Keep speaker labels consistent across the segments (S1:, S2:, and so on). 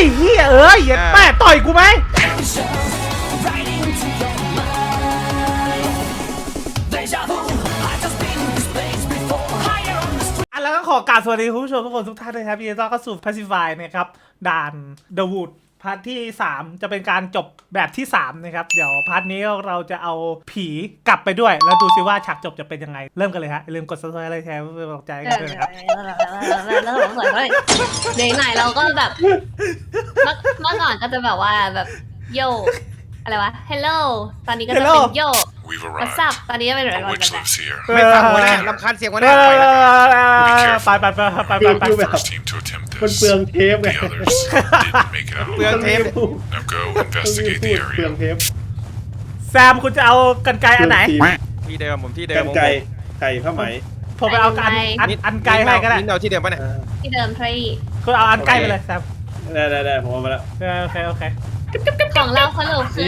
S1: เฮียเอ้ยอย่าแม่ต่อยกูไหมแล้วก็ขอกราบสวัสดีคุณผู้ชมทุกคนทุกท่านเลยครับยินดีต้อนรับเข้าสู่ Pacify นะครับด่าน The Wood พาร์ทที่ 3 จะเป็นการจบแบบที่ 3 นะครับเดี๋ยวพาร์ทนี้เราจะเอาผีกลับไปด้วยแล้วดูซิว่าฉากจบจะเป็นยังไงเริ่มกันเลยฮะอย่าลืมกด Subscribe อะไรแชร์เพื่อเป็นกำลังใจกันด้วยนะครับ
S2: แล้วผมสวยเลยเด็กไหนเราก็แบบเมื่อก่อนก็จะแบบว่าแบบโยอะไรวะ hello ตอนนี้ก็จะเป็นโย what's up ตอนนี้จะเป็นอะไรกันแบบ
S3: ไม่ฟังหัวหน้ารำคาญเสียงหัวหน้า
S1: ไป
S4: มันเปลืองเทปไง
S3: เปลืองเทป
S4: เปลืองเทป
S1: แซมคุณจะเอากันไกอันไหน
S3: ที่เดิมผมที่เดิม
S4: ไก่ผ้าไหม
S1: ผมไปเอาอันไกให้ก็ได้
S3: เอาที่เดิมป่ะเนี่ย
S2: ที่เดิมทรี
S1: คุณเอาอันไกไปเลยแซม
S4: ได้ผมเอามาแล้ว
S1: โอเค
S2: ของเราเขาเลยคือ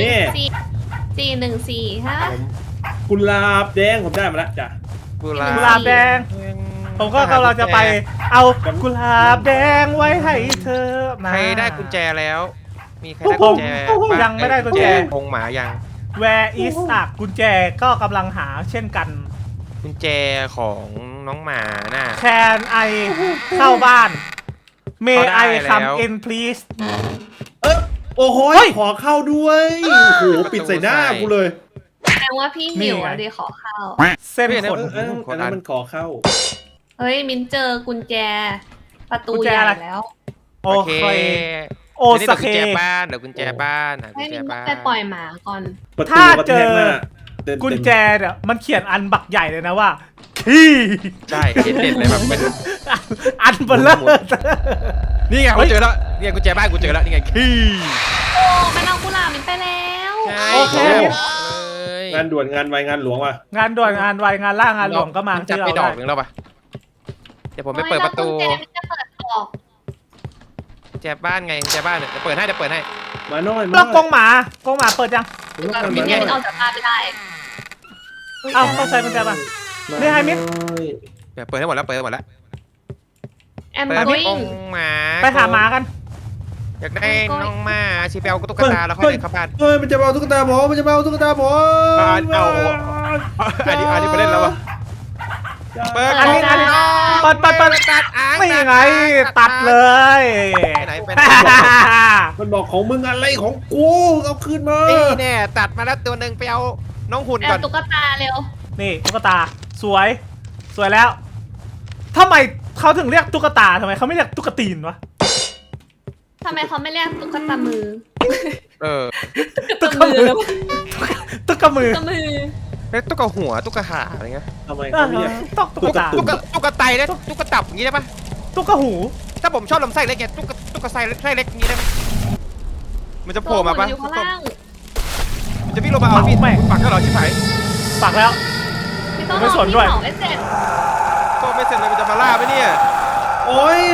S2: 414ฮะ
S4: กุหลาบแดงผมได้มาแล้วจ้ะ
S1: กุหลาบแดงผมก็กำลังจะไปเอากุหลาบแดงไว้ให้เธอ
S3: ใครได้กุญแจแล้วมีใครได้กุญแจ
S1: ยังไม่ได้กุญแจ
S3: พงหมายัง
S1: Where is กุญแจก็กำลังหาเช่นกัน
S3: กุญแจของน้องหมาน่ะ
S1: Can I เข้าบ้าน May I come in please
S4: โอ้โหขอเข้าด้วยโอ้โหปิดใส่หน้ากูเลย
S2: แสดงว่าพี่หิวเดี๋ยวขอเข้า
S1: เส้นขน
S4: อันนั้นมันขอเข้า
S2: เฮ้ยมิ้นเจอกุญแจประตูใหญ่แล้ว
S1: โอเคโอสเค
S3: กุญแจบ้านเดี๋ยวกุญแจบ้าน
S2: ให้มิ้นไปปล่อยหมาก่อน
S1: ถ้าเจอกุญแจเนี่ยมันเขียนอันบักใหญ่เลยนะว่าขี้
S3: ใช่เด่นเลยแบบเป็น
S1: อันเบลอ
S3: นี่ไงกูเจอแล้วนี่ไงกุญแจบ้านกูเจอแล้วนี่ไงขี้
S2: โอ้มันเอากุหลาบมิ้นไปแล้ว
S1: โอเค
S4: งานด่วนงานไวงานหลวงว่ะ
S1: งานด่วนงานไวงานล่างานหลวงก็มา
S3: จะไปดอกหนึ่งแล้วป่ะเดี๋ยวผมไปเปิดประตู
S2: จะเปิดออก
S3: แจบ้านไงแจบ้านเนี่ยเปิดให้
S4: มาหน่อย
S1: แล้วกงหมาเปิดยัง
S2: มิ้นยังเอาจากบ้านไม่ได้
S1: เอ้าต้องใช้กุญแจป่ะนี่ไฮมิ้น
S3: เปิดให้หมดแล้ว
S2: แอมโกอิง
S1: ไปหาหมากัน
S3: อยากได้น้องหมาชีเปลตุ๊กตาแล้วค่อยเดินเข้าบ้าน
S4: มันจะเอาตุ๊กตาผมเอา
S3: อันนี้ไปเล่นแล้ววะ
S1: เปิดไม่ยังไงตัดเลย
S4: มันบอกของมึงอะไรของกูเอาคืนมา
S3: แน่ตัดมาแล้วตัวหนึ่งไปเอาน้องหุ่นก่อน
S2: ตุ๊กตาเร็ว
S1: นี่ตุ๊กตาสวยแล้วทำไมเขาถึงเรียกตุ๊กตาทำไมเขาไม่เรียกตุ๊กตีนวะ
S2: ทำไมเขาไม่เรียกตุ๊กตามือ
S1: ตุ๊กมือตุ๊ก
S3: หัวตุ๊กขาอะไรเงี้ย
S4: ทำไมเขาไม่เรียก
S3: ตุ๊กไตนะตุ๊กตับอย่างงี้ได้ปะ
S1: ตุ๊กหู
S3: ถ้าผมชอบลำไส้เล็กไงตุ๊กไส้เล็กอย่างงี้ได้ไหมมันจะโผล่มาปะมันจะวิ่งลงมาเอาพี่ปักก็หรอชิบหาย
S1: ปักแล้วไม่สนด้วย
S2: ไม่เสร็จ
S3: ก็ไม่เสร็จเลยมันจะมาล่าไหมเนี่ย
S4: โอ้ย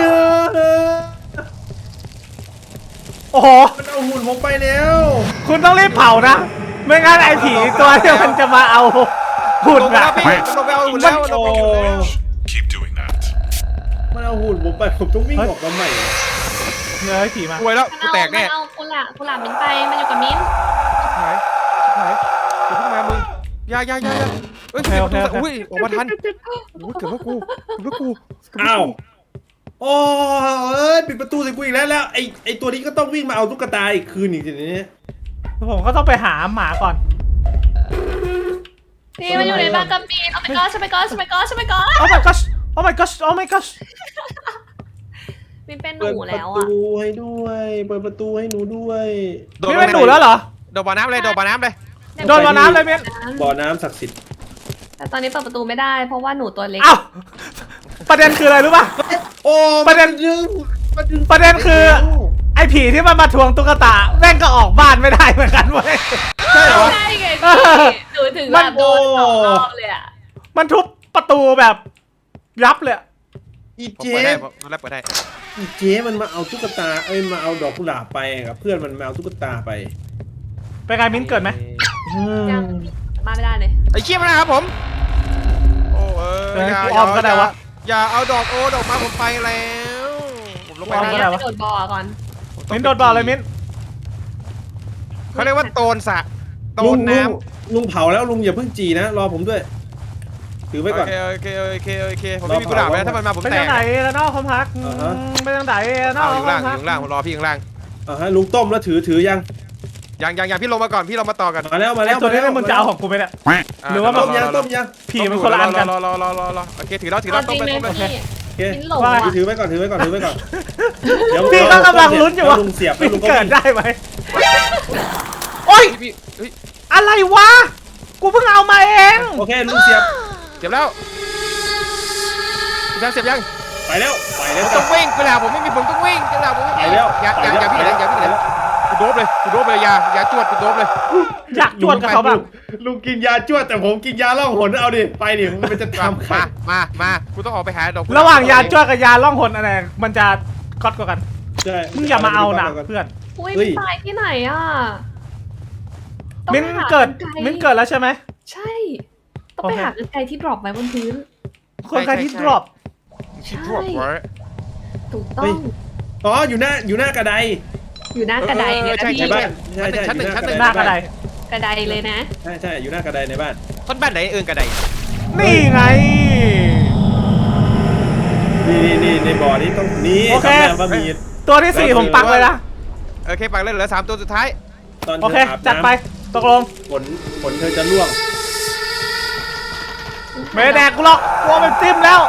S1: โอ้โห
S4: มันเอาหุ่นผมไปแล้ว
S1: คุณต้องรีบเผานะไม่งั้นไอ้ผีตัวนี้มันจะมาเอาหุ่นอะ
S4: มันเอาหุ่นผมไปผมต้องวิ่งออกมาใหม่
S1: เงยผีมา
S3: ป่วยแล้วกูแตกแน่
S2: เอากุหลาบมิ้นไปมันอยู่กับมิ้น
S3: หายกูเพิ่งมามึงยาเฮ้ยอุ้ยออกมาทันเกือบว่ากู
S4: อ้าวโอ้ปิดประตูใส่กูอีกแล้วไอ้ตัวนี้ก็ต้องวิ่งมาเอาตุ๊กตาอีกคืนอีกทีนี้
S1: ผมก็ต้องไปหาหมาก่อน
S2: นี่มันอยู่ในบ้านกับมิ้นโอ้ my god โอ้ my god
S1: โอ้ my god
S2: มิ้นเป็นหนูแล้วอ่ะ
S4: เปิดประตูให้ด้วยเปิดประตูให้หนูด้วย
S1: มิ้นเป็นหนูแล้วเหรอ
S3: โดนบ่อน้ำเลยมิ้น
S1: โดนบ่อน้ำเลย
S4: บ่อน้ำศักดิ์สิทธิ์
S2: แต่ตอนนี้เปิดประตูไม่ได้เพราะว่าหนูตัวเล็ก
S1: อ้าวประเด็นคืออะไรรู้ป่ะ
S4: โอ้
S1: ประเด็นคือไอ้ผีที่มันมาทวงตุ๊กตาแม่งก็ออกบ้านไม่ได้เหมือนกันเว้ย
S2: ใช่เหรอใช่ไงหนูถึงแบบโดน2 รอบเลยอ่ะ
S1: มันทุบประตูแบบยับเลย
S4: อีเจ๊อีเจ๊มันมาเอาตุ๊กตามาเอาดอกกุหลาบไปกับเพื่อนมันมาเอาตุ๊กตาไป
S1: ไงมิ้นเกิดไหม
S2: ยังมาไม่ได้เลย
S3: ไอ้เขี้ยมนะครับผมโอ้อย่าเอาดอกมาผมไปแล้ว
S2: ผมลงไปโดดบ่อก่อน
S3: ต
S1: มิ้นโดดบ่อเลยมิ้น
S3: เขาเรียกว่าโตนสระโต
S4: ลุ
S3: น
S4: ง
S3: น้
S4: ลุงเผาแล้วลุงอย่าเพิ่งจีนะรอผมด้วย ถือ
S3: ำ
S4: ไว้ก่อน
S3: โอเคผมไม่มีกุหลาบแล้วถ้ามันมาผม
S1: ไป
S3: แต
S1: ทาก งไหนแล้วเนาะความพัก
S4: อ่าฮะ
S1: ไปทางไหนแล้วเนาะ
S3: เอาอยู่
S1: ค
S3: ล่าว
S1: าง ม
S3: อ
S1: พัก
S3: ยู่ล่างผมรอพี่ข้างล่าง
S4: ลุงต้มแล้วถือยัง
S3: ยังพี่ลงมาก่อนพี่ลงมาต่อกัน
S4: มาแล้ว
S1: ไอ้ตัวนี้มึงจะเอาของกูไปเนี่ย หรือว่า
S4: ต้มยัง
S1: ผีมันคนละอันกัน
S3: รอโอเคถือแล้ว
S2: เอา
S3: ต้
S2: จ
S3: ม
S2: ริง
S3: ไป
S2: เลย
S3: ต้มไป
S2: พี่
S4: โอเค
S2: มิ้นหลง
S1: ว่า
S2: ว่ะ
S4: ถือไว้ก่อนเดี๋ยว
S1: พี่ก็กำลังลุ้นอยู่ว่า
S4: ลุงเสียบแล้วลุงก็
S1: เกิด
S4: วิ่ง
S1: ได้ไหมโอ๊ย
S3: พี่เฮ้ย
S1: อะไรวะ กูเพิ่งเอามาเอง
S4: โอเคลุงเสียบ
S3: เสียบแล้วเสียบยัง
S4: ไปแล้ว
S3: ต้องวิ่งกุหลาบผมไม่มีผมต้องวิ่งกุหลาบผมไม่มี
S4: ไปแล้ว
S3: อย่าพี่เลยกูโดบเลยอย่าจวดกูโดบเลย
S1: อยากจวดกับเขาบ้าง
S4: ลุงกินยาจ้วดแต่ผมกินยาล่องหนเอาดิไปดิมันจะทำใคร
S3: มากูต้องออกไปหาดอก
S1: ระหว่างยาจ้วดกับยาล่องหนอะไรมันจะก๊อตกว่ากัน
S4: ใช่
S1: มึงอย่ามาเอานะเพื่อน
S2: อุ้ย
S4: เฮ้ย
S2: มิ้นตายที่ไหนอ่ะต้อง
S1: มิ้น
S2: ไปหา
S1: เกิด
S2: รรไ
S1: มิ้นเกิดแล้วใช่ไหม
S2: ใช่ ต้องไปหากรรไกรที่ดรอปไว้บนพื้น
S1: คนใครที่ดรอป
S3: ชิบหายไว้
S2: ถูกต้อง
S4: อ๋ออยู่หน้ากระได
S2: อยู่หน้ากระไดเนี่ยนะ
S3: ใช่
S2: พี่
S4: ในบ้านใช่
S3: ชั้นหนึ่ง
S1: หน้ากระได
S2: กระไดเลยนะ
S4: ใช่อยู่หน้ากระไดในบ้าน
S3: คนบ้านไหนกระได
S1: นี่ไง
S4: นี่ในบ่อนี้ต้องนี่
S1: โอเค
S4: ทำแบบว่ามี
S1: ตัวที่สี่ผมปักเลยนะ
S3: โอเคปักเลยเหลือ3ตัวสุดท้าย
S4: ตอน
S1: โอ
S4: เธ
S1: เค
S4: ออาบ
S1: จัดไป
S4: น้
S1: ตกลง
S4: ำฝนเธอจะร่วง
S1: ไม่แดกกูหรอกกลัวมันจิ้มแล้ว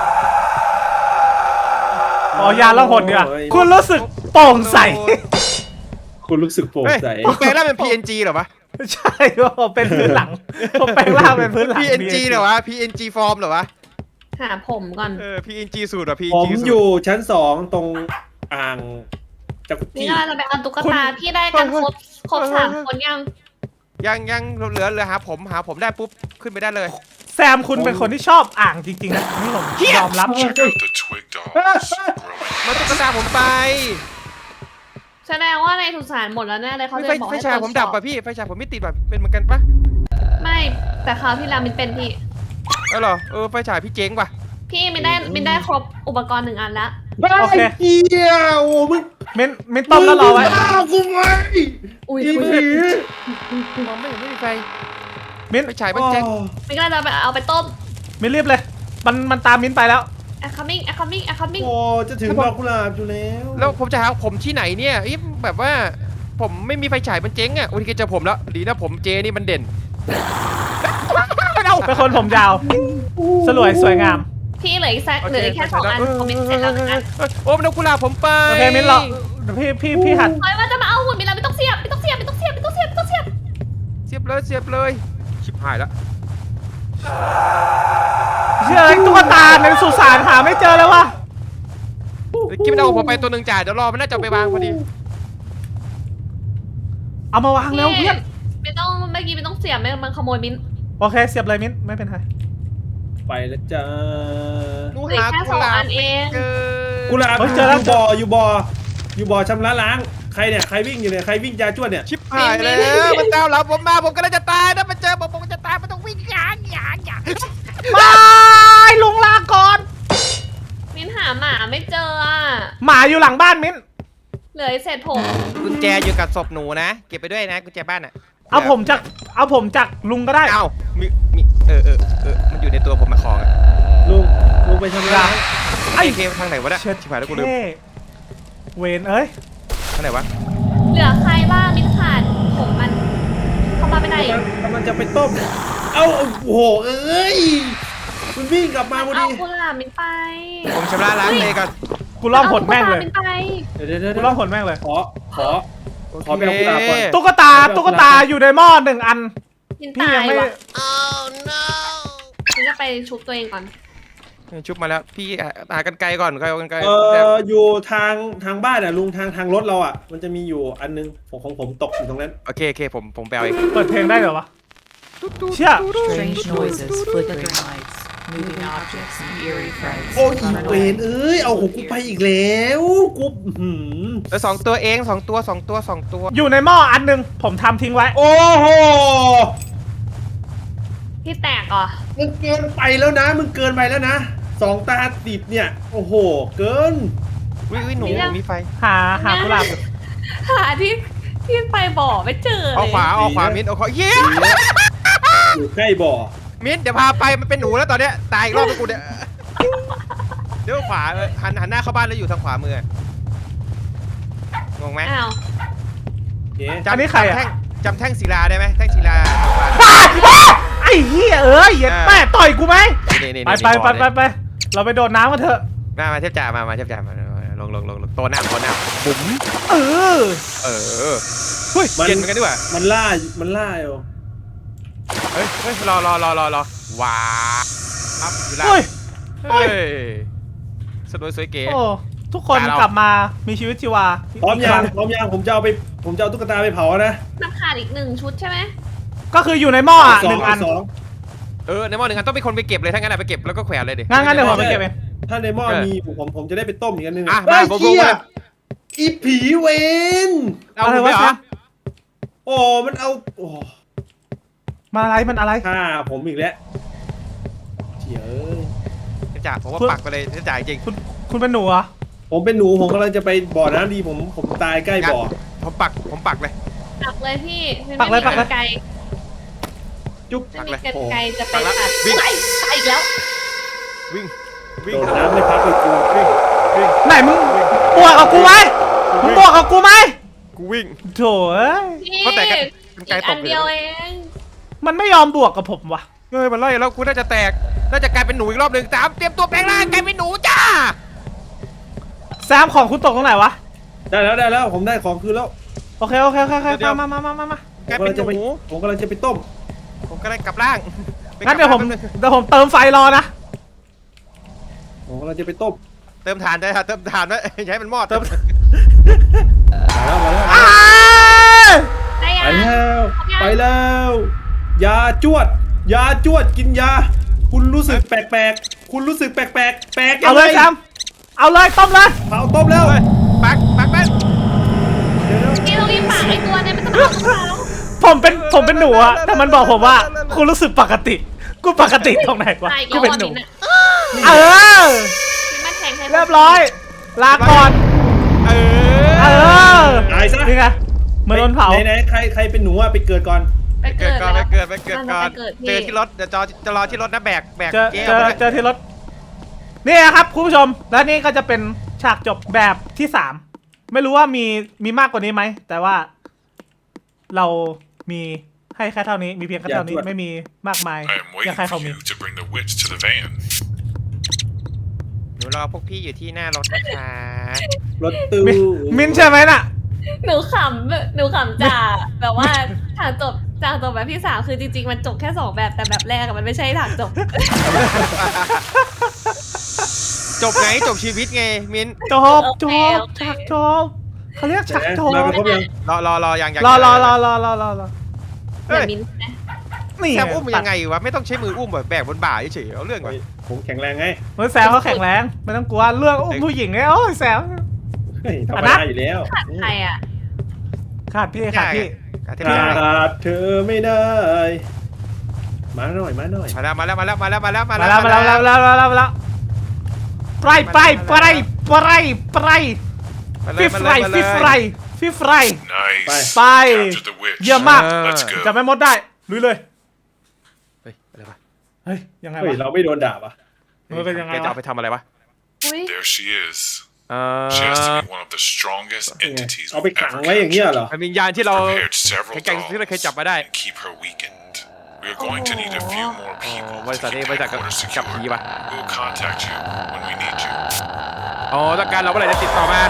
S1: อ๋อยาล่องหนเนี่ยคุณรู้สึกโปร่งใส
S4: คุณรู้สึกโปร่ง
S3: เฮ้ย
S4: ใส
S3: ผมแปลงร่างเป็น PNG เหรอวะ
S1: ใช่ผมเป็นพื้นหลังผมแปลงร่างเป็นพื้นหลัง
S3: PNG เหรอวะ PNG ฟอร์มเหรอวะ
S2: หาผมก่อน
S3: PNG สูตรเหรอ
S4: ผ
S3: PNG
S4: ม
S3: สูตร
S4: อยู่ชั้น2ตรงอ่างจักรุ
S2: นี่
S4: จี้
S2: เราจะไปเอาตุ๊กตาพี่ได้กันครบ3 คนยัง
S3: ยังเหลือหาผมได้ปุ๊บขึ้นไปได้เลย
S1: แซมคุณเป็นคนที่ชอบอ่างจริงๆนะนี่ผมยอมรับ
S5: Check out the twig dolls growing
S3: มาตุ๊กตาผมไป
S2: แสดงว่าในสุสานหมดแล้วแน่เลยเขาจะบอก
S3: ไฟ
S2: ให้
S3: ฉาย
S2: ตรวจ
S3: ผมดับ
S2: สอ
S3: ป่ะพี่ไฟฉายผมไม่ติดแบบเป็นเหมือนกันปะ
S2: ไม่แต่คราวที่แล้วมินเป็นพี่
S3: เหรอไฟฉายพี่เจ๊งป่ะ
S2: พี่มินได้ครบอุปกรณ์1 อันละ
S1: โอเค
S4: เฮียโอ้มึง
S1: เม้นต้มแล้วรอไว้
S4: ฆ่ากูไว้
S2: อุ้ย
S4: อีผี
S3: มองไม่เห็นไม่มีไฟ
S1: มิ้น
S3: ไฟฉายมันเจ๊ง
S2: มินก็จะเอาไปต้ม
S1: มิ้นรีบเลย มันตามมิ้นไปแล้ว
S2: coming
S4: โอ้จะถึงดอกกุหลาบอยู่แล้ว
S3: แล้วผมจะหาผมที่ไหนเนี่ยแบบว่าผมไม่มีไฟฉายมันเจ๊งอ่ะโอ้ยเจอผมแล้วดีนะผมเจนี่มันเด่นเอา
S1: เป็นคนผมยาว สวยงาม
S2: พี่เหลือแค่2 อันของมินเสร็จแล้ว1 อัน
S3: โอ้มันเอากุหลาบผมไป
S1: โอเคมิ้นรอพี่หัด
S2: เฮ้ยว่าจะมาเอาหุ่นมินแล้วไม่ต้องเสียบ
S3: เสียบเลยชิบหายแล้ว
S1: เชื่ออะไรตุ๊กตาในสุสานหาไม่เจอเลยวะ
S3: กิ๊บมันเอาผมไปตัวหนึ่งจ่ายเดี๋ยวรอมันน่าจะไปวางพอดี
S1: เอามาวางแล้วเพื่อน
S2: ไม่ต้องเมื่อกี้ไม่ต้องเสียบมันขโมยมิน
S1: โอเคเสียบเลยมิ้นไม่เป็นไร
S4: ไปแล้วจ้า
S3: หนู
S2: เหลือ
S3: หา
S2: แค่
S3: กุหลา
S2: 2 อั
S3: บ
S2: นเอง
S3: เจอ
S4: กุหลาบ
S1: เฮ้ยเจอแล้ว
S4: อยู่บ่อชำระล้างใครเนี่ยใครวิ่งอยู่เนี่ยใครวิ่งยาจ้วดเนี่ย
S3: ชิบหายแล้วมันตามหลังผมมาผมกำลังจะตายถ้ามันเจอผมจะตายมันต้องวิ่งหยาง
S1: ไม่ลุงลาก่อน
S2: มินหาหมาไม่เจออ่ะ
S1: หมาอยู่หลังบ้านมิ้น
S2: เหลือเศษผม
S3: กุญแจอยู่กับศพหนูนะเก็บไปด้วยนะกุญแจบ้านอ่ะ
S1: เอาผมจากลุงก็ได้
S3: เอ้ามีมันอยู่ในตัวผมมาของ
S4: ลุงไปชำระล้าง
S3: ไอ้เคทางไหนวะเนี่ย
S1: เช็ด
S3: ชิบหายแล้วกูลืม
S1: เท่เวนเอ้ย
S3: ทางไหนวะ
S2: เหลือใครบ้างมินขาดผมมันเข้ามาไปไหน
S4: กำลังจะไปต้มเอ้าโอ้โหเอ้ยมันวิ่งกลับมาพอ
S2: เอา
S4: ดี
S2: กุหลาบมินไป
S3: ผมชำระล้างเลยก่อน
S1: กูล่องหนแม่งเลย
S2: อาตุ๊กตามินไป
S4: เดี๋ยว
S1: กูล่องหนแม่งเลย
S4: ขอไปเอากุหลาบก่อน
S1: ตุ๊กตาอยู่ในหม้อ1 อัน
S2: มิน
S1: พี่
S2: ตา
S1: ยัง
S2: ย
S1: ไม่
S2: ว่ะมินจะไปชุบตัวเองก่อน
S3: ชุบมาแล้วพี่หากันไกลก่อนใครเอากันไกล
S4: อยู่ทางบ้านอ่ะลุงทางรถเราอ่ะมันจะมีอยู่อันนึงของผมตกอยู่ตรงนั้น
S3: โอเคผมไปเอาเอง
S1: เปิดเพลงได้เหรอวะเชี่ย
S6: Strange noises, flickering lights, moving objects, and eerie frights.
S4: โอ้ย
S6: Run
S4: เว
S6: away.
S4: รเอ้ยเอาของกูไปอีกแล้วกูหืม
S3: สองตัวเอง2 ตัว
S1: อยู่ในหม้ออันหนึงผมทำทิ้งไว้
S4: โอ้โห
S2: พี่แตกเหรอ
S4: มึงเกินไปแล้วนะมึงเกินไปแล้วนะ2 ตาติดเนี่ยโอ้โหเกิน
S3: วิหนูมีไฟ
S1: หากุหลาบอยู่
S2: หาที่ไปบ่อไม่เจอเลย
S3: เอาขวามิ้นเอาขวาเย้
S4: อยู่ใกล้บ่อ
S3: มิ้นเดี๋ยวพาไปมันเป็นหนูแล้วตอนเนี้ยตายอีกรอบไปกูเนี่ยเดี๋ยวขวาหันหน้าเข้าบ้านแล้วอยู่ทางขวามืองงไหม
S2: อ้าว
S4: โอเค
S1: อันนี้ใครอะ
S3: จำแท่งศิลาได้ไหมแท่งศิลา
S1: ไอ้เหี้ยเหี้ยแม่ต่อยกูไหม
S3: นี่
S1: ไปเราไปโดดน้ำกันเถอะ
S3: มาเทพจ่ามาเทพจ่ามาลงโตหน้าบุ๋ม
S1: เออ
S3: เฮ้ยเย็นเหมือนกันดีกว่า
S4: มันล่าอยู่
S3: เฮ้ยรอว้าครับศิลา
S1: เฮ้ย
S3: เฮ้ยสวยเก๋
S1: โอ้ทุกคนกลับมามีชีวิตชีวา
S4: พร้อมยังผมจะเอาตุ๊กตาไปเผานะ
S2: มันขาดอีก1 ชุดใช่ไหม
S1: ก็คืออยู่ในหม้ออ่ะ
S4: ส
S1: หนึ่งอัน
S4: สอง
S3: ในหม้อหนึ่งอันต้องเป็นคนไปเก็บเลยถ้างั้นไปเก็บแล้วก็แขวนเลยดิ
S1: งั้นเดี๋ยวผมไปเก็บเอง
S4: ถ้าในหม้อมีผมจะได้ไปต้มอีกอันนึง
S3: อ่ะ
S4: เฮ้ย
S3: มา
S4: เชี่ย
S3: มา
S4: อีผีเวน
S3: เอาไปเหรอ
S4: โอ้มันเอาโอ้
S1: มันอะไร
S4: ฆ่าผมอีกแล้วเฉีย
S3: เทพจ่าผมว่าปักไปเลยเทพจ่าจริง
S1: คุณเป็นหนูเหรอ
S4: ผมเป็นหนูผมกำลังจะไปบ่อน้ำดีผมตายใกล้บ่อ
S3: ผมปักเลย
S2: ปักเลยพี่มัน
S1: ปักเลย
S2: ไม่มีกรรไกร
S4: จุ๊บ
S2: ไม่
S3: ปักเลย
S2: มีกรรไกรจะไป
S3: ปักแล้ว
S2: ตัด
S3: วิ่ง
S2: ตายอีกแล้ว
S3: วิ่ง
S4: โดดน้ำไม่พักเลยกู
S1: ไหนมึงบวกกับกูไหมมึงบวกกับกูไหม
S3: กูวิ่ง
S1: โถ่เอ้ย
S2: พี่
S3: เพราะแต่กรร
S2: อี
S3: ไกร
S2: ก
S3: ต
S2: อั
S3: ก
S2: น
S3: อยู่
S2: เดียวเอง
S1: มันไม่ยอมบวกกับผมว่ะ
S3: เฮ้ยมันไล่แล้วกูน่าจะแตกน่าจะกลายเป็นหนูอีกรอบหนึ่งเตรียมตัวแปลงร่างกลายเป็นหนูจ้า
S1: แซมของคุณตกตรงไหนวะ
S4: ได้แล้วผมได้ของคืนแล้ว
S1: โอเคมา
S3: กลายเป็นหนู
S4: ผมกำลังจะไปต้ม
S3: ผมก็เลยกลับร่าง
S1: งั้นเดี๋ยวผมเติมไฟรอนะ
S4: ผมกำลังจะไปต้ม
S3: เติมถ่านได้ครับเติมถ่านไว้อย่าให้มันมอด
S1: เติม
S4: มาแล้ว
S1: อ้า
S2: ได้ยั
S4: ไป
S2: ง
S4: แล้วไปแล้วยาจวดกินยา คุณรู้สึกแปลกๆคุณรู้สึกแปลกยั
S1: เอา
S4: ง
S1: เล
S4: ไง
S1: ยแซมเอาเลยต้มเลย
S4: เผาต้มแล้ว
S3: ปักแม่
S2: พี่ต้องรีบปักไอ้ตัวเนี่ยมันจะมาเอาของเรา
S1: ผมเป็นหนูอะแต่มันบอกผมว่าคุณรู้สึกปกติ กูปกติตรงไหนวะ
S2: ตายอีก
S1: กู
S2: แล้ว
S1: เป็นหนู
S2: มินอะ
S1: เออ
S2: มินมาแทงใคร
S1: เรียบร้อย ลาก่อน เออ
S4: ตายซะ
S1: นี่ไงเหมือนโดนเผา
S4: ไหนใครเป็นหนูอะไปเกิดก่อน
S2: ไป
S3: เกิ
S2: เกิ
S3: ด
S2: ด
S3: ก่อน
S2: แล้ว
S3: เกิดก่อน
S2: เกิดพี่
S3: เจอที่รถเดี๋ยวจะรอที่รถนะแบก
S1: เจอที่รถนี่ครับคุณผู้ชมและนี่ก็จะเป็นฉากจบแบบที่3ไม่รู้ว่ามีมากกว่านี้ไหมแต่ว่าเรามีให้แค่เท่านี้มีเพียงแค่เท่านี้
S4: อย่าจวด
S1: ไม่มีมากมาย
S5: I am
S1: อยาก
S5: waiting
S1: ให้เขา
S5: for
S1: มี
S5: you to bring the witch to the van.
S3: หนูรอพวกพี่อยู่ที่หน้ารถนะคะ
S4: รถตู้
S1: มินใช่ไหมน่ะ
S2: หนูขำจ่าแบบว่าฉากจบแบบที่3คือจริงๆมันจบแค่2แบบแต่แบบแรกอะมันไม่ใช่ฉากจบ
S3: จบไงจบชีวิตไงมิน
S1: จบฉากจบเขาเรียกฉากจบ
S4: มากันครบยัง
S3: รอยัง
S1: รอ
S2: เดี๋ยวมินนะ
S1: นี่
S3: แซมอุ้มยังไงวะไม่ต้องใช้มืออุ้มแบบแบกบนบ่าเฉยๆเอาเรื่องก่อน
S4: ผมแข็งแรงไง
S1: เฮ้ยแซมเขาแข็งแรงไม่ต้องกลัวเรื่องอุ้มผู้หญิงเนี่ยโอ้ยแซม
S4: เฮ้ยธรรม
S1: อ่ะนะ
S4: ดาอยู่แล้ว
S2: ขาดใครอะ
S1: ขาดพี่
S4: ขาดเธอไม่ได้มาหน่อย
S3: มาแล้ว
S1: มาแล้วไปฟิฟไร
S5: Nice.
S1: ไป
S5: Captured the witch.
S1: เยี่ยมมาก
S5: Let's go.
S1: จับไม่มดได้ลุยเลย
S3: เฮ้ยอะไรวะ
S1: เฮ้ยยังไง
S4: เฮ้ยว
S1: ะ
S4: เราไม่โดนด่าปะ
S1: มันเป็นยังไง
S3: แกจะ
S1: วะ
S3: เอาไปทำอะไรวะ
S2: อุ้ย
S5: There she is. She has to be one of the strongest entities
S4: เอาไป
S5: we've
S4: ขัง
S5: ever
S4: ไว้อย่างเงี้ย
S5: captured.
S4: เหรอ
S3: มันวิญญาณที่เรา
S5: Prepared several
S3: แข่งที่เราเคยจับ
S5: dolls
S3: มาได้
S5: and keep her weakened. We are going to need a few more people
S3: บริ
S5: to
S3: ษัทนี้
S5: keep
S3: บริษัทกับ
S5: headquarters
S3: กับผี
S5: secure.
S3: ป่ะ
S5: We will contact you when we need you.
S3: อ๋อต้องการเราเมื่อไหร่จะติดต่อมา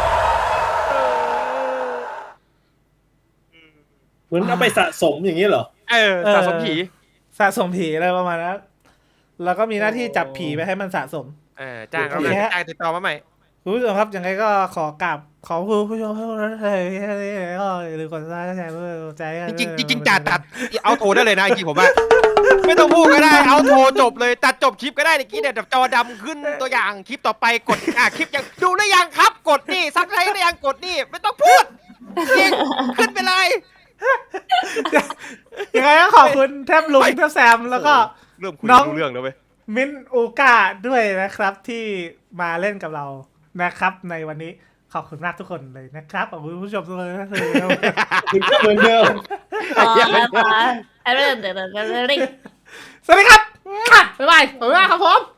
S4: เหมือนเอาไปสะสมอย่างเงี้ยเหรอ
S3: สะสมผี
S1: สะสมผีอะไรประมาณนั้นแล้วก็มีหน้าที่จับผีไปให้มันสะสม
S3: จ้างเราเลยจ้างติดต่อมาใหม่
S1: คุณผู้ชมครับยังไงก็ขอกราบขอคุณผู้ชมให้ก็หรือกดไลค์กดแชร์เพื่อใจกัน
S3: จริงจ่าตัดเอาโทรได้เลยนะจริงผมว่าไม่ต้องพูดก็ได้เอาโทรจบเลยตัดจบคลิปก็ได้เมื่อกี้เนี่ยจอดำขึ้นตัวอย่างคลิปต่อไปกดคลิปยังดูหรือยังครับกดนี่ซักไรหรือยังกดนี่ไม่ต้องพูดจริงขึ้นไปเลย
S1: ยังไงก็ขอบคุณแทบลุงแทบแซมแล้วก็
S3: เริ่มคุย
S1: น้อง
S3: รู้เรื่องแล้วเว้ย
S1: มินอูกาด้วยนะครับที่มาเล่นกับเรานะครับในวันนี้ขอบคุณมากทุกคนเลยนะครับขอบคุณผู้ชมทุกคนนะเลย
S4: เหมือนเดิม
S2: อ๋อแล้วเดี๋ยว
S1: สวัสดีครับบ๊ายบายขอบคุณมากครับผม